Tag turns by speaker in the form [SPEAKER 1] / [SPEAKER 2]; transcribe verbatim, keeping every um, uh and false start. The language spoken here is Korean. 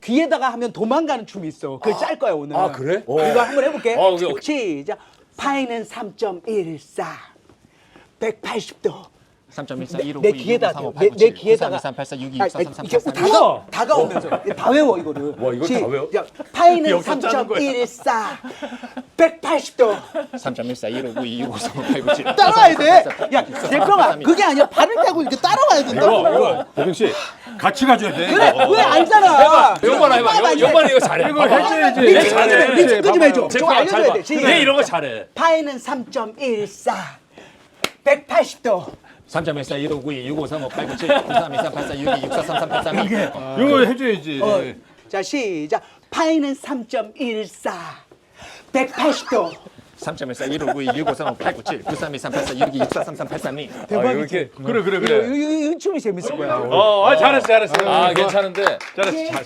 [SPEAKER 1] 귀에다가 하면 도망가는 춤이 있어. 그걸 짤 거야 오늘.
[SPEAKER 2] 아, 그래?
[SPEAKER 1] 이거 한번 해볼게.
[SPEAKER 2] 어, 오케이, 오케이.
[SPEAKER 1] 시작. 파이는 삼 점 일사. 백팔십 도.
[SPEAKER 3] 삼 점 일사 일오
[SPEAKER 1] 내
[SPEAKER 3] 구이
[SPEAKER 1] 귀에다
[SPEAKER 3] 육오 삼오
[SPEAKER 1] 내,
[SPEAKER 3] 팔
[SPEAKER 1] 내
[SPEAKER 3] 구 칠
[SPEAKER 1] 귀에다가
[SPEAKER 3] 구삼 이삼 팔사 육이
[SPEAKER 1] 아니,
[SPEAKER 3] 육사 삼 삼
[SPEAKER 1] 이게
[SPEAKER 3] 팔 사
[SPEAKER 1] 다가 다가오면서 다 외워 이거를.
[SPEAKER 2] 와, 이걸 다 외워?
[SPEAKER 1] 시작. 파이는
[SPEAKER 2] 여기서
[SPEAKER 1] 삼
[SPEAKER 2] 짜는
[SPEAKER 1] 점
[SPEAKER 2] 거야.
[SPEAKER 1] 일사. 백팔십 도.
[SPEAKER 3] 삼 점 일사 일오 구이 육오 삼오 팔 구 칠
[SPEAKER 1] 따라와야 돼. 야, 대평아, 그게 아니라 발을 떼고 이렇게 따라와야 된다고.
[SPEAKER 2] 이거 이거 보경 씨 같이 가줘야 돼.
[SPEAKER 1] 그래,
[SPEAKER 2] 이거.
[SPEAKER 1] 왜 알잖아.
[SPEAKER 2] 요번에 해봐. 요번에 이거 잘해. 이거 해줘야지.
[SPEAKER 1] 리치 좀 리치 좀 해줘. 저 알려줘야 돼.
[SPEAKER 2] 얘 이런 거 잘해.
[SPEAKER 1] 파이는 삼 점 일사. 백팔십 도.
[SPEAKER 3] 삼 점 일사 일오 구이 육오 삼오 팔 구 칠 구삼 이삼 팔사 육이 육사 삼 삼 팔 삼
[SPEAKER 2] 이거 해줘야지.
[SPEAKER 1] 어, 자, 시작. 파이는 삼 점 일사. 백팔십 도.
[SPEAKER 3] 삼 점 일사 일오 구이 육오 삼오 팔 구 칠 구삼 이삼 팔사 육이 육사 삼 삼 팔 삼 이
[SPEAKER 2] 아, 이렇게 그래 그래
[SPEAKER 1] 이거,
[SPEAKER 2] 그래.
[SPEAKER 1] 이거, 이거 춤이 재밌을 거야.
[SPEAKER 2] 어, 아, 잘했어 잘했어.
[SPEAKER 3] 아 괜찮은데
[SPEAKER 2] 잘했어. 잘.